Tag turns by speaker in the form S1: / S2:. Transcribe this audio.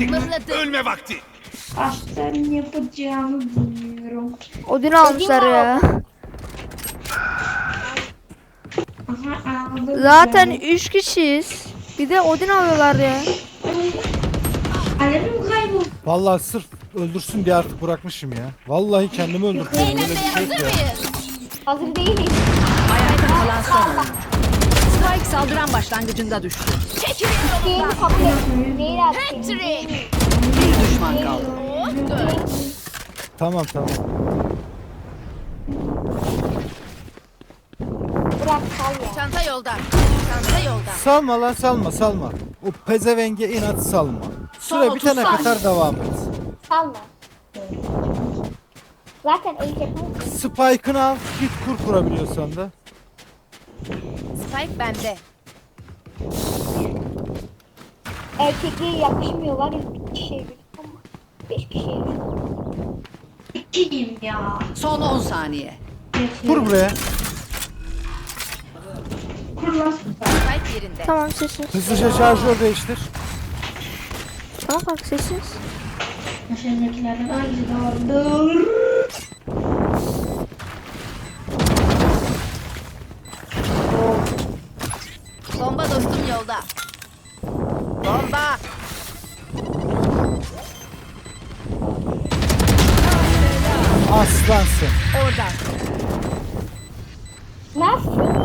S1: Yenildik.
S2: Mıhladı.
S1: Ölme vakti.
S3: Aslan yapacağımı bilmiyorum.
S4: Odin almışlar ya.
S3: Aha aldım.
S4: Zaten
S3: Yani.
S4: 3 kişiyiz. Bir de Odin alıyorlar ya.
S3: Alemim kayboldu.
S5: Vallahi sırf öldürsün diye artık bırakmışım ya. Vallahi kendimi öldürtüyorum. Öyle bir şey yok ya.
S3: Hazır değiliz.
S6: Ayakta kalan son oyuncu. Spike saldıran başlangıcında düştü.
S2: Çekilin
S3: Değil
S2: yolumdan.
S3: kabul etmiyorum. Değil abi.
S2: Hattrick.
S6: Bir düşman kaldı.
S5: Tamam.
S3: Bırak sal ya.
S2: Çanta yolda. Çanta yolda.
S5: Salma lan salma. O pezevenge inat salma.
S6: Son
S5: Süre
S6: 30
S5: bitene
S6: saniye.
S5: kadar devam et.
S3: Salma. Zaten el yapamam.
S5: Spike'ını al git kurabiliyorsan da.
S2: Spike bende.
S3: Erkekliğe yakışmıyor var ya. Bir kişiye bir ama. 5 kişiye bir. İkiyim ya.
S6: Son 10 saniye.
S5: Kur buraya.
S3: Kur lan.
S2: Spike yerinde.
S4: Tamam sessiz.
S5: Hızlıca şarjör değiştir.
S4: Tamam bak sessiz.
S3: Aşağıdakilerden hangisi doğrudur?
S2: Bomba dostum yolda. Bomba.
S5: Aslansın.
S2: Orada.
S3: Nasıl?